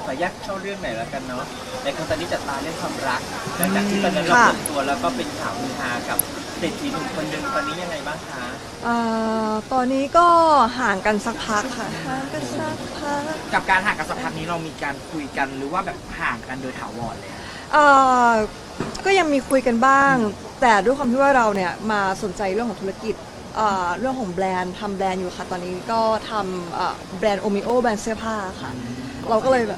ขอแยกเข้าเรื่องไหนแล้วกันเนาะในคนตอนนี้จัดตาเรื่องความรักหลังจากที่ตอนนั้นเราเปิดตัวแล้วก็เป็นข่าวฮือฮากับเศรษฐีหนุ่มคนหนึ่งตอนนี้ยังไงบ้างคะตอนนี้ก็ห่างกันสักพักค่ะห่างกันสักพักกับการห่างกันสักพักนี้เรามีการคุยกันหรือว่าแบบห่างกันโดยถาวรเลยก็ยังมีคุยกันบ้างแต่ด้วยความที่ว่าเราเนี่ยมาสนใจเรื่องของธุรกิจเรื่องของแบรนด์ทำแบรนด์อยู่ค่ะตอนนี้ก็ทำแบรนด์โอมิโอแบรนด์เสื้อผ้าค่ะเราก็เลยแบบ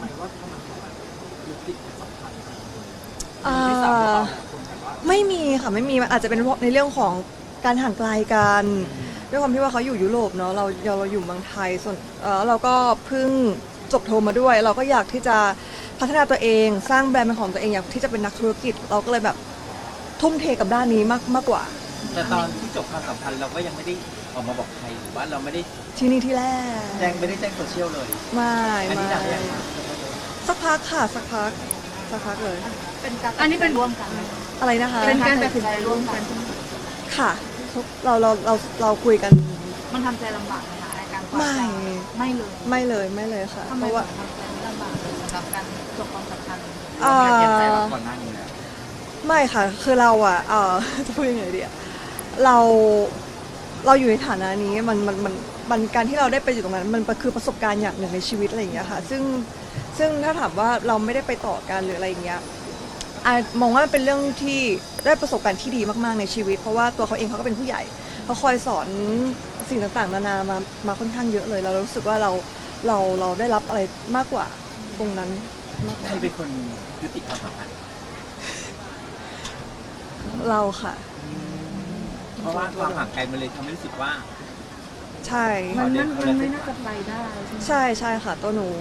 ไม่มีค่ะไม่มีอาจจะเป็นในเรื่องของการห่างไกลกันด้วยความที่ว่าเขาอยู่ยุโรปเนาะเราอยู่เมืองไทยส่วนเราก็เพิ่งจบโทมาด้วยเราก็อยากที่จะพัฒนาตัวเองสร้างแบรนด์เป็นของตัวเองอยากที่จะเป็นนักธุรกิจเราก็เลยแบบทุ่มเทกับด้านนี้มากกว่าแต่ตอนที่จบความสัมพันธ์เราก็ยังไม่ได้ออกมาบอกใครหรือว่าเราไม่ได้ที่นี่ที่แรกไม่ได้แจ้งโซเชียลเลยไม่สักพักค่ะสักพักเลยอันนี้เป็นร่วมกันอะไรนะคะเป็นการตัดสินใจร่วมกันค่ะเราคุยกันมันทำใจลำบากไหมคะในการไม่เลยค่ะเพราะว่าทำใจลำบากสำหรับการจบความสัมพันธ์เก็บใจก่อนหน้านี้แล้วไม่ค่ะคือเราจะพูดยังไงดีเราอยู่ในฐานะนี้มันการที่เราได้ไปอยู่ตรงนั้นมันคือประสบการณ์อย่างหนึ่งในชีวิตอะไรอย่างเงี้ยค่ะซึ่งถ้าถามว่าเราไม่ได้ไปต่อกันหรืออะไรอย่างเงี้ยมองว่าเป็นเรื่องที่ได้ประสบการณ์ที่ดีมากๆในชีวิตเพราะว่าตัวเขาเองเขาก็เป็นผู้ใหญ่เขาคอยสอนสิ่งต่างๆนานามาค่อนข้างเยอะเลยเรารู้สึกว่าเราได้รับอะไรมากกว่าตรงนั้นใครเป็นคนยุติความสัมพันธ์เราค่ะเพราะว่าความห่างไกลมันเลยทำให้รู้สึกว่าใช่มันไม่น่าจะไปได้ใช่ค่ะตัวหนู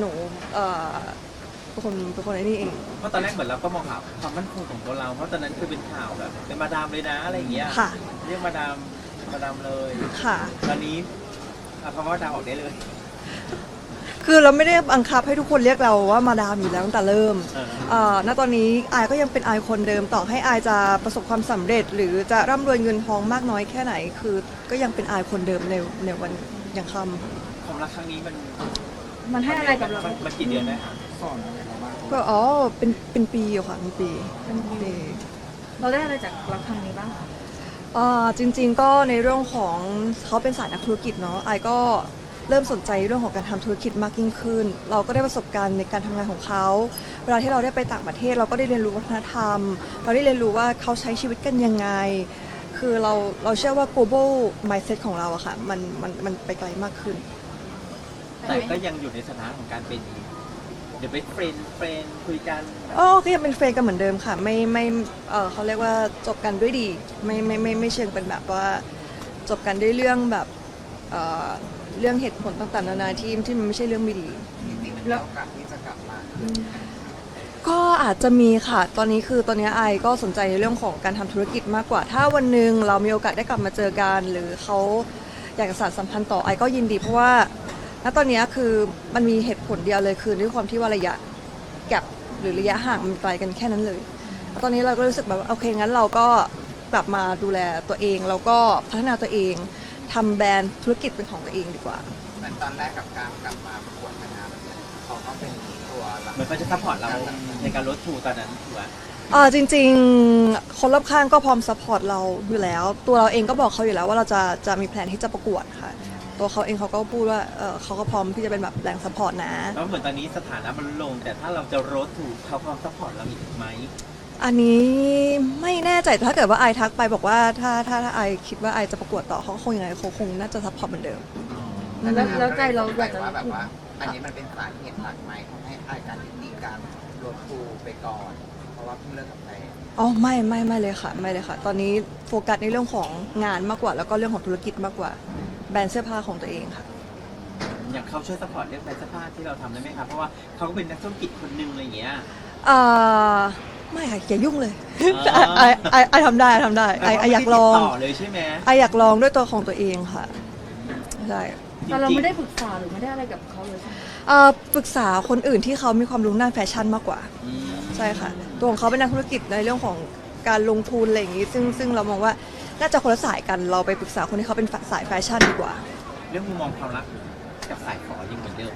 เป็นคนไอ้นี่เองเพราะตอนแรกเหมือนเราก็มองหาความมั่นคงของตัวเราเพราะตอนนั้นคือเป็นข่าวแบบเป็นมาดามเลยนะอะไรอย่างเงี้ยเรียกมาดามเลยค่ะตอนนี้คำว่าดามออกได้เลยคือเราไม่ได้บังคับให้ทุกคนเรียกเราว่ามาดามอยู่แล้วตั้งแต่เริ่มณตอนนี้อายก็ยังเป็นอายคนเดิมต่อให้อายจะประสบความสำเร็จหรือจะร่ำรวยเงินทองมากน้อยแค่ไหนคือก็ยังเป็นอายคนเดิมในวันยังค่ำความรักครั้งนี้มันให้อะไรกับเรามันกี่เดือนได้คะก็เป็นปีอยู่ค่ะเป็นปีเราได้อะไรจากรักครั้งนี้บ้างจริงๆก็ในเรื่องของเขาเป็นสายนักธุรกิจเนาะอายก็เริ่มสนใจเรื่องของการทำธุรกิจมากยิ่งขึ้นเราก็ได้ประสบการณ์ในการทำงานของเขาเวลาที่เราได้ไปต่างประเทศเราก็ได้เรียนรู้วัฒนธรรมเราได้เรียนรู้ว่าเขาใช้ชีวิตกันยังไงคือเราเชื่อว่า global mindset ของเราอะค่ะมันไปไกลมากขึ้นแต่ก็ยังอยู่ในสถานะของการเป็นเดี๋ยวไปเฟรนคุยกันก็ยังเป็นเฟรนกันเหมือนเดิมค่ะไม่เขาเรียกว่าจบกันด้วยดีไม่เชิงเป็นแบบว่าจบกันด้วยเรื่องแบบเรื่องเหตุผลต่างๆนานาที่มันไม่ใช่เรื่องไม่ดีแล้วโอกาสที่จะกลับมาก็อาจจะมีค่ะตอนนี้ไอก็สนใจในเรื่องของการทำธุรกิจมากกว่าถ้าวันหนึ่งเรามีโอกาสได้กลับมาเจอกันหรือเขาอยากจะสานสัมพันธ์ต่อไอก็ยินดีเพราะว่าณตอนนี้คือมันมีเหตุผลเดียวเลยคือด้วยความที่ว่าระยะแกปหรือระยะห่างมันไกลกันแค่นั้นเลยตอนนี้เราก็รู้สึกแบบโอเคงั้นเราก็กลับมาดูแลตัวเองแล้วก็พัฒนาตัวเองทำแบรนด์ธุรกิจเป็นของตัวเองดีกว่าเหมือนตอนแรกกับการกลับมาประกวดนางงามเขาก็เป็นตัวเหมือนเขาจะซัพพอร์ตเราในการลดทูตอนนั้นถูกไหมจริงๆคนรอบข้างก็พร้อมซัพพอร์ตเราอยู่แล้วตัวเราเองก็บอกเขาอยู่แล้วว่าเราจะมีแผนที่จะประกวดค่ะตัวเขาเองเขาก็พูดว่าเขาก็พร้อมที่จะเป็นแบบแรงซัพพอร์ตนะแล้วเหมือนตอนนี้สถานะมันลงแต่ถ้าเราจะลดทูเขาพร้อมซัพพอร์ตเราอีกไหมอันนี้ไม่แน่ใจแต่ถ้าเกิดว่าไอทักไปบอกว่าถ้าไอคิดว่าไอจะประกวดต่อเขาคงยังไงเขาคงน่าจะซัพพอร์ตเหมือนเดิมแล้วใจเราอยากจะแบบว่าอันนี้มันเป็นสาเหตุหลักไหมทำให้ไอการยุติการลดทูไปก่อนเพราะว่าเพิ่งเลิกกับแฟนไม่เลยค่ะไม่เลยค่ะตอนนี้โฟกัสในเรื่องของงานมากกว่าแล้วก็เรื่องของธุรกิจมากกว่าแบรนด์เสื้อผ้าของตัวเองค่ะอยากเขาช่วยซัพพอร์ตเรื่องแบรนด์เสื้อผ้าที่เราทำได้ไหมคะเพราะว่าเขาก็เป็นนักธุรกิจคนนึงอะไรอย่างเงี้ยไม่ค่ะอย่ายุ่งเลยไอทำได้ไออยากลองต่อเลยใช่ไหมไออยากลองด้วยตัวของตัวเองค่ะใช่แต่เราไม่ได้ปรึกษาหรือไม่ได้อะไรกับเขาเลยใช่ไหมปรึกษาคนอื่นที่เขามีความรู้ด้านแฟชั่นมากกว่าใช่ค่ะตัวของเขาเป็นนักธุรกิจในเรื่องของการลงทุนอะไรอย่างงี้ซึ่งเรามองว่าน่าจะคนละสายกันเราไปปรึกษาคนที่เขาเป็นสายแฟชั่นดีกว่าเรื่องมุมมองความรักกับสายฝอยังเหมือนเดิมนะ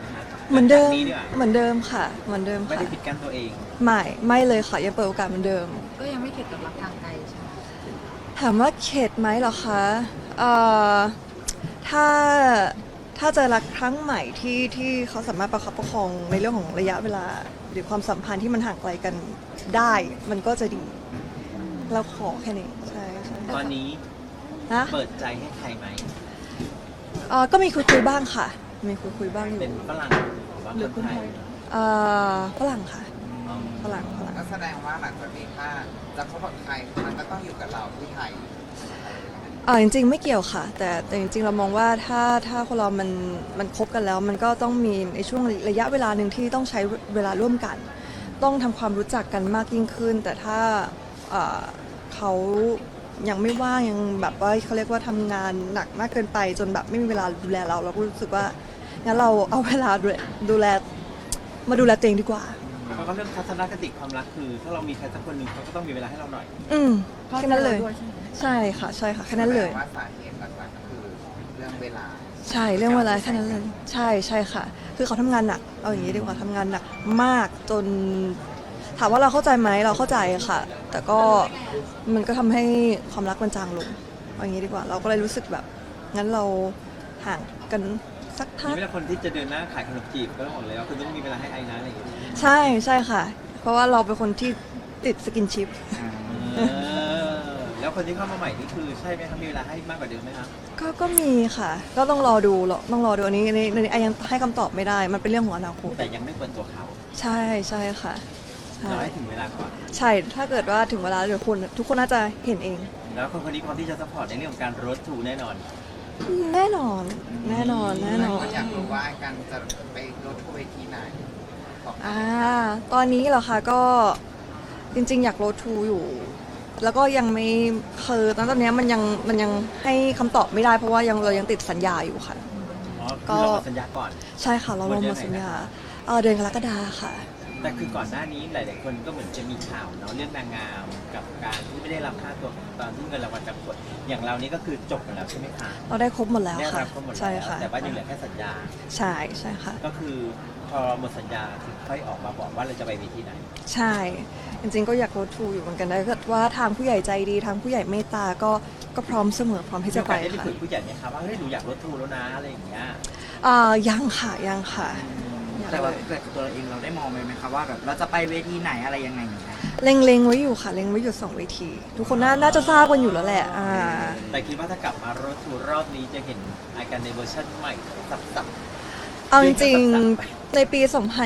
เหมือนเดิมหลังจากนี้ดีกว่าเหมือนเดิมค่ะเหมือนเดิมไม่ค่ะได้ปิดกั้นตัวเองไม่เลยค่ะยังเปิดโอกาสเหมือนเดิมก็ยังไม่เข็ดกับรักทางไกลใช่ไหมถามว่าเข็ดไหมเหรอคะถ้าเจอรักครั้งใหม่ที่เขาสามารถประคับประคองในเรื่องของระยะเวลา หรือความสัมพันธ์ที่มันห่างไกลกันได้ มันก็จะดี เราขอแค่นี้ใช่ใช่ตอนนี้นะเปิดใจให้ใครไหมก็มีคุยบ้างค่ะ มีคุยบ้างอยู่เป็นฝรั่งหรือว่าคนไทยฝรั่งค่ะอ๋อฝรั่งก็แสดงว่าหลังจากนี้ถ้าจะคบกับใครมันก็ต้องอยู่กับเราที่ไทยจริงๆไม่เกี่ยวค่ะ แต่จริงๆเรามองว่าถ้าคนเรามันคบกันแล้ว มันก็ต้องมีในช่วงระยะเวลาหนึ่งที่ต้องใช้เวลาร่วมกัน ต้องทำความรู้จักกันมากยิ่งขึ้น แต่ถ้าเขายังไม่ว่างยังแบบว่าเขาเรียกว่าทำงานหนักมากเกินไปจนแบบไม่มีเวลาดูแลเราก็รู้สึกว่างั้นเราเอาเวลาดูแลมาดูแลตัวเองดีกว่าเพราะว่าเรื่องทัศนคติความรักคือ ถ้าเรามีใครสักคนหนึ่งเขาก็ต้องมีเวลาให้เราหน่อยแค่นั้นเลยด้วยใช่ไหมใช่ค่ะแค่นั้นเลยแสดงว่าสาเหตุหลักๆก็คือเรื่องเวลาใช่เรื่องเวลาแค่นั้นเลยใช่ค่ะ คือเขาทำงานหนักเอาอย่างนี้ดีกว่าทำงานหนักมากจนถามว่าเราเข้าใจไหมเราเข้าใจค่ะ แต่ก็มันก็ทำให้ความรักมันจางลงเอาอย่างนี้ดีกว่า เราก็เลยรู้สึกแบบงั้นเราห่างกันสักพันี่กเวลาคนที่จะเดินหน้าขายขนมจีบก็ต้องบอกเลยว่าคุณต้องมีเวลาให้ไอ้นะอะไรอย่างเงี้ยใช่ค่ะ เพราะว่าเราเป็นคนที่ติดสกินชิปแล้วคนที่เข้ามาใหม่นี่คือใช่ไหมครับมีเวลาให้มากกว่าเดิมไหมครับก็มีค่ะ ก็ต้องรอดูอันนี้ไอยังให้คำตอบไม่ได้ มันเป็นเรื่องของอนาคตแต่ยังไม่เปิดตัวเขาใช่ค่ะใช่เราให้ถึงเวลาก่อนใช่ ถ้าเกิดว่าถึงเวลาเดี๋ยวทุกคนน่าจะเห็นเองแล้วคนคนนี้พร้อมที่จะซัพพอร์ตในเรื่องของการรถถูแน่นอนแน่นอนหลายคนอยากรู้ว่าการจะไปรถทัวร์เวทีไหนบอกตอนนี้เหรอคะก็จริงๆ อยากโรดทูอยู่ แล้วก็ยังไม่คือตอนนี้มันยังให้คำตอบไม่ได้เพราะว่าเรายังติดสัญญาอยู่ค่ะอ๋อคือเราหมดสัญญาก่อนใช่ค่ะเราลงมาสัญญาหมดเดือนไหนนะคะเดือนกรกฎาค่ะแต่คือก่อนหน้านี้หลายๆคนก็เหมือนจะมีข่าวเนาะเรื่องนางงามกับการที่ไม่ได้รับค่าตัวตอนที่เงินรางวัลจากกฎอย่างเรานี่ก็คือจบหมดแล้วใช่ไหมคะเราได้ครบหมดแล้วได้ค่ะรับก็หมดใช่แล้วค่ะแต่ว่ายังเหลือแค่สัญญาใช่ค่ะก็คือพอหมดสัญญาถึงค่อยออกมาบอกว่าเราจะไปเวทีไหนใช่ จริงๆ ก็อยากโรดทูอยู่เหมือนกันนะถ้าเกิดว่าทางผู้ใหญ่ใจดีทางผู้ใหญ่เมตตาก็พร้อมเสมอพร้อมที่จะไปได้ไปค่ะคุยผู้ใหญ่ไหมคะว่าเฮ้ยหนูอยากรถทูแล้วนะอะไรอย่างเงี้ยยังค่ะยังแต่ว่าเกิดตัวเราเองเราได้มองไหมคะว่าแบบเราจะไปเวทีไหนอะไรยังไงอย่างเงี้ยเล็งไว้อยู่ค่ะเล็งไว้อยู่2เวที ทุกคนน่าจะทราบกันอยู่แล้วแหละแต่คิดว่าถ้ากลับมารถทูรอบนี้จะเห็นอาการในเวอร์ชันใหม่สับเอาจริงเรียกว่าๆในปี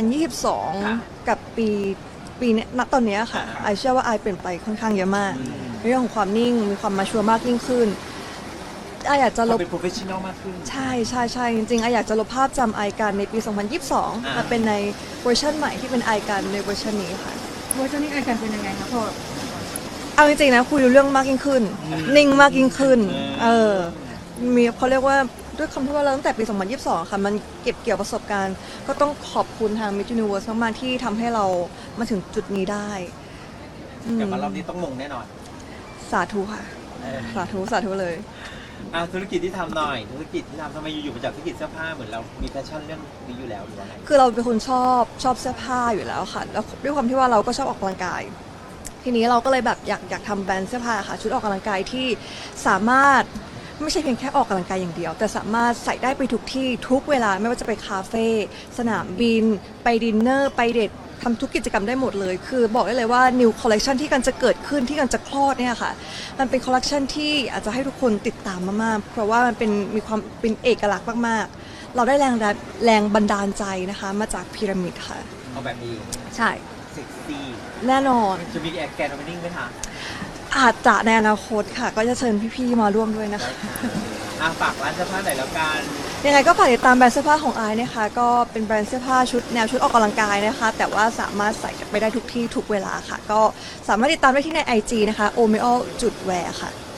2022 กับปีเนี้ยณตอนเนี้ยค่ะไอเชื่อว่าไอเปลี่ยนไปค่อนข้างเยอะมากในเรื่องของความนิ่งมีความมาชัวร์มากยิ่งขึ้นไออยากจะลเราบเป็น professional มากขึ้นใช่จริงๆไออยากจะลบภาพจำไอกันในปี 2022 มาเป็นในเวอร์ชันใหม่ที่เป็นไอกันในเวอร์ชันนี้ค่ะเวอร์ชันนี้ไอกันเป็นยังไงคะพอเอาจริงๆนะคุยรู้เรื่องมากยิ่งขึ้น นิ่งมากยิ่งขึ้น มีเขาเรียกว่าด้วยคำที่ว่าเราตั้งแต่ปี 2022 ค่ะ มันเก็บเกี่ยวประสบการณ์ ก็ต้องขอบคุณทาง Miss Universe มากๆที่ทำให้เรามาถึงจุดนี้ได้อืมกลับมารอบนี้ต้องมงแน่นอนสาธุค่ะ สาธุเลยธุรกิจที่ทำหน่อย ธุรกิจที่ทำทำไมอยู่ๆมาจากธุรกิจเสื้อผ้าเหมือนเรามีแพชชั่นเรื่องนี้อยู่แล้วหรือว่าไงคือเราเป็นคนชอบเสื้อผ้าอยู่แล้วค่ะ แล้วด้วยความที่ว่าเราก็ชอบออกกำลังกาย ทีนี้เราก็เลยแบบอยากทำแบรนด์เสื้อผ้าค่ะ ชุดออกกำลังกายที่สามารถไม่ใช่เพียงแค่ออกกำลังกายอย่างเดียว แต่สามารถใส่ได้ไปทุกที่ทุกเวลาไม่ว่าจะไปคาเฟ่สนามบิน ไปดินเนอร์ไปเดททำทุกกิจกรรมได้หมดเลย คือบอกได้เลยว่า new collection ที่กันจะเกิดขึ้นที่กันจะคลอดเนี่ยค่ะ มันเป็น collection ที่อาจจะให้ทุกคนติดตามมากๆเพราะว่ามันมีความเป็นเอกลักษณ์มากๆ เราได้แรงบันดาลใจนะคะมาจากพีระมิดค่ะเอาแบบนี้ใช่เซ็กซี่แน่นอนจะมีแอร์แกนโอเปนิ่งไหมคะอาจจะในอนาคตค่ะ ก็จะเชิญพี่ๆมาร่วมด้วยนะคะฝากร้านเสื้อผ้าหน่อยแล้วกันยังไงก็ฝากติดตามแบรนด์เสื้อผ้าของไอซ์นะคะ ก็เป็นแบรนด์เสื้อผ้าแนวชุดออกกำลังกายนะคะ แต่ว่าสามารถใส่ไปได้ทุกที่ทุกเวลาค่ะ ก็สามารถติดตามได้ที่ใน IG นะคะ omeo.wear ค่ะ